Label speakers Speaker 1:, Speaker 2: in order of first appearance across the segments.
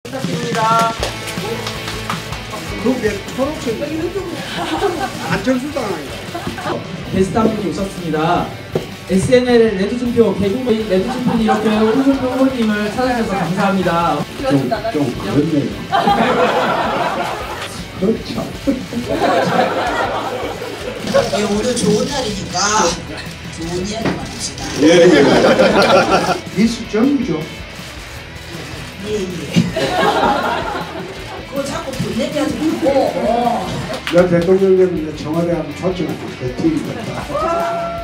Speaker 1: 부탁드립니다.
Speaker 2: 그게 초록색 안철수당 아니다.
Speaker 1: 게스트 한 분이 오셨습니다. SNL 레드준표 개국의 레드준표는 이렇게 홍준표 후보님을 찾아주셔서 감사합니다.
Speaker 2: 좀 그렇네요. 그렇죠.
Speaker 3: 예, 오늘 좋은 날이니까 좋은 이야기만 합시다.
Speaker 2: 예. 미수정이죠.
Speaker 3: 예. 그거 자꾸 돈 내기하지 말고.
Speaker 2: 여 대통령님 청와대 하면 초청한 대통령입니다.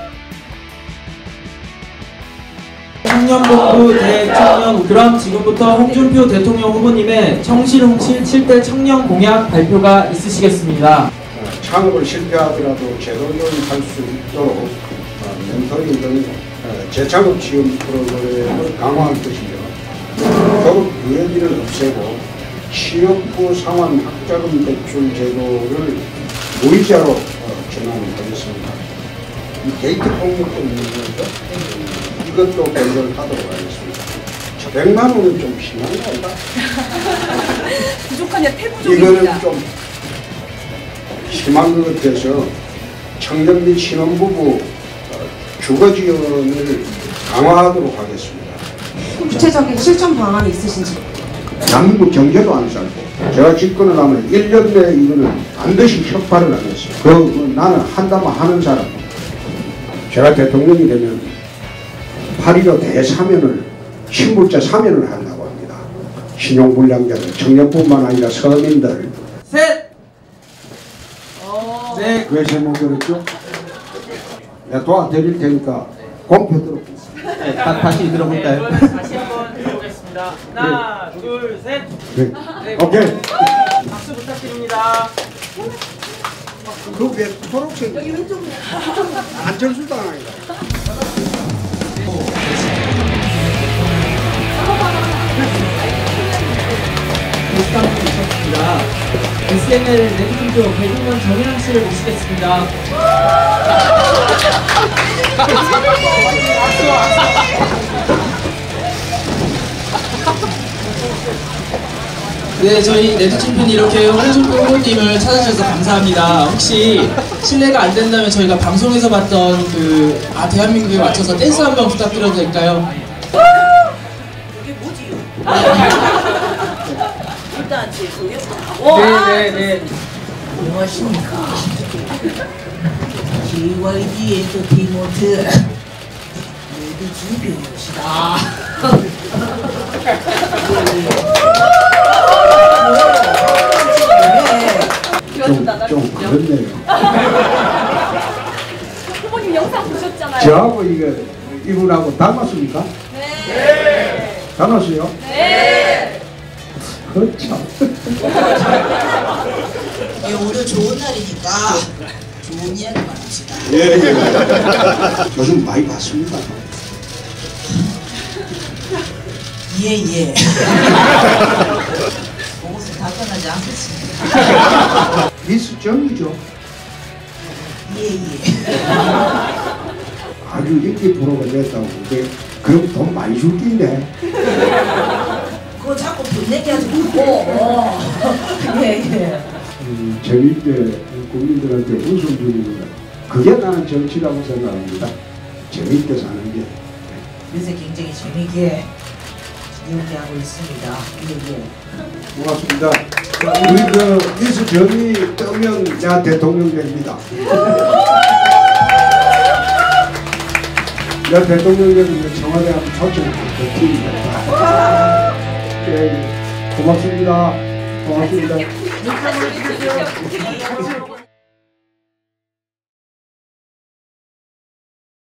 Speaker 1: 청년본부 대청년. 그럼 지금부터 홍준표 대통령 후보님의 청실홍실 7대 청년 공약 발표가 있으시겠습니다.
Speaker 2: 창업을 실패하더라도 재도전할 수 있도록 멘토링 등 재창업 지원 프로그램을 강화할 것이며 졸업 유예비를 없애고 취업 후 상환 학자금 대출 제도를 무이자로 전환하겠습니다. 이 게이트 폭력도 있는 거죠. 이것도 변경하도록 하겠습니다. 100만 원은 좀 심한 거 아닌가?
Speaker 4: 부족하냐 태부족입니다.
Speaker 2: 이거는 좀 심한 것 같아서 청년 및 신혼부부 주거 지원을 강화하도록 하겠습니다.
Speaker 4: 구체적인 실천 방안이 있으신지.
Speaker 2: 대한민국 경제도 안 살고 제가 집권을 하면 1년 내에 이거는 반드시 혁파를 하겠어요. 나는 한다면 하는 사람. 제가 대통령이 되면 8.15 대사면을 신불자 사면을 한다고 합니다. 신용불량자들, 청년뿐만 아니라 서민들.
Speaker 1: 셋! 네.
Speaker 2: 왜 제목 들었죠? 내가 도와드릴 테니까 공표 들어보겠습니다.
Speaker 1: 네, 다시 들어볼까요? 다시 한번 들어보겠습니다. 하나, 둘, 셋.
Speaker 2: 네.
Speaker 1: 네.
Speaker 2: 오케이.
Speaker 1: 박수 부탁드립니다.
Speaker 2: 그게 초록색 안철수당 아니다.
Speaker 1: 게스트 한 분이 오셨습니다. SNL 레드준표 개국년 정혜랑 씨를 모시겠습니다. 네, 저희 레드준표는 이렇게 홍준표 후보님을 찾아주셔서 감사합니다. 혹시 실례가 안 된다면 저희가 방송에서 봤던 대한민국에 맞춰서 댄스 한번 부탁드려도 될까요?
Speaker 3: 이게 뭐지요? 일단 제 소개부터 하고.
Speaker 1: 네네네.
Speaker 3: 안녕하십니까. JYD 엔터테인먼트 레드준표입니다.
Speaker 2: 좀 그렇네요.
Speaker 4: 후보님 영상 보셨잖아요.
Speaker 2: 저하고 이분하고 닮았습니까? 네. 닮았어요?
Speaker 4: 네.
Speaker 2: 그렇죠.
Speaker 3: 예, 오늘 좋은 날이니까 좋은 이야기만 합시다.
Speaker 2: 예. 요즘 많이 봤습니다.
Speaker 3: 예. 그것은 답변하지 않겠습니다.
Speaker 2: 미수정이죠.
Speaker 3: 예.
Speaker 2: 아주 인기 프로가 됐다고. 근데 그럼 돈 많이 줄 텐데.
Speaker 3: 그거 자꾸 돈 내기하지 말고. 예.
Speaker 2: 재미있게 국민들한테 웃음 주는 거. 그게 나는 정치라고 생각합니다. 재미있게 사는 게.
Speaker 3: 그래서 굉장히 재미있게 이야기하고 있습니다. 예.
Speaker 2: 고맙습니다. 우리 미수정이 뜨면 내가 대통령 됩니다. 내가 대통령 되면 청와대 하면 초청할 팀입니다. 네, 고맙습니다. 고맙습니다.
Speaker 4: 인사드리십시오.